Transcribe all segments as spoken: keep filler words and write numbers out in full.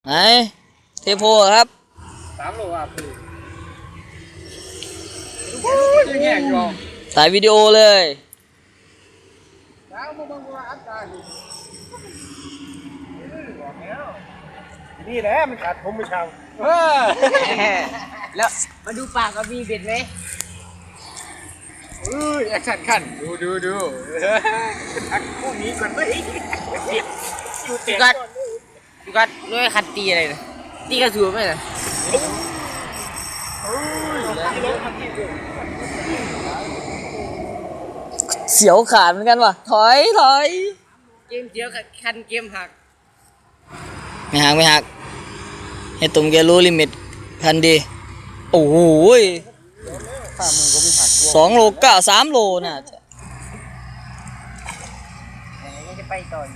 ไหนเทโพครับสามโลอ่ะพี่ยังแง่อยู่ถ่ายวิดีโอเลยนี่แหละมันขาดผมไม่ช่างแล้วมาดูปากกับมีเบ็ดไหมเอ้ยแอคชั่นขั้นดูดูดูทักพวกนี้ก่อนไหมอยู่เตะก่อนดูกัดด้วยคันตีอะไรนะตีกระสุนไหมนะเสียวขาดเหมือนกันว่ะถอยถอยเกมเดียวกับคันเกมหักไม่หักไม่หักให้ตุ่มแกรู้ลิมิตพันดีโอ้โหสองโลเก้าสามโลน่ะจะยังจะไปต่อ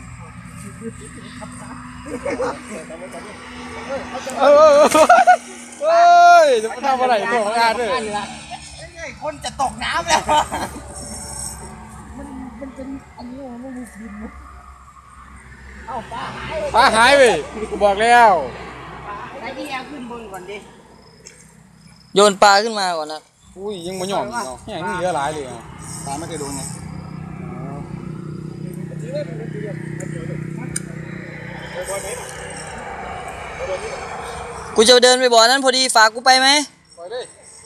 เออเฮ้ยจะมาทำอะไรตัวของอาด้วยคนจะตกน้ำแล้วเอาปลาหายปลาหายไปกูบอกแล้วไอ้ที่เอาขึ้นบนก่อนดิโยนปลาขึ้นมาก่อนนะอุ้ยยังไม่หย่อนเนาะยังเหลือหลายเลยปลาไม่เคยโดนไงกูจะเดินไปบ่อนั้นพอดีฝากกูไปไหมปล่อยดิ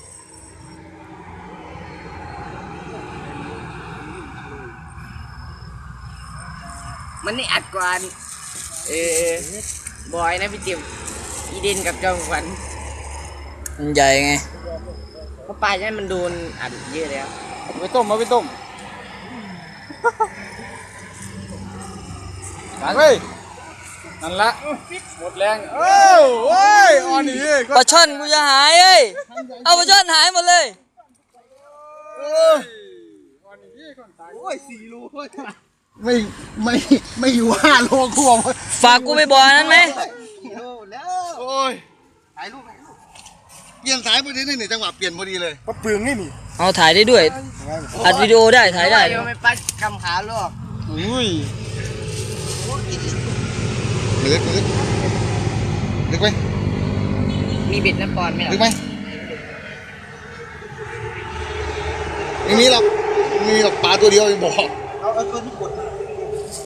มันนี่อัดกว่าเออบอยนะพี่จิมอีเดนกับจอมขวัญมันใหญ่ไงเพราะปลาเนี่ยมันโดนอัดเยอะแล้วไปต้มมาไปต้มหลังเลยนั่นละหมดแรงเอ้าโอ้ยอ่อนนี่ปลาช่อนกูจะหายเอ้ยเอาปลาช่อนหายหมดเลยโอ้ยสี่โลไม่ไม่ไม่อยู่ห้าโลกูบอกฝากกูไปบ่อนั้นไหมโอ้ยถ่ายรูปถ่ายรูปเปลี่ยนสายพอดีนี่จังหวะเปลี่ยนพอดีเลยก็เปลืองนี่นี่เอาถ่ายได้ด้วยอัดวิดีโอได้ถ่ายได้เดี๋ยวไม่ปัดกำขาลอกอุ้ยลึกลึกลึกไหมมีเบ็ดน้ำปอนไหมลึล่ะกไหมไม่มีหรอกไม่มีหรอกปลาตัวเดียวบอกเอาเอาตัวที่กด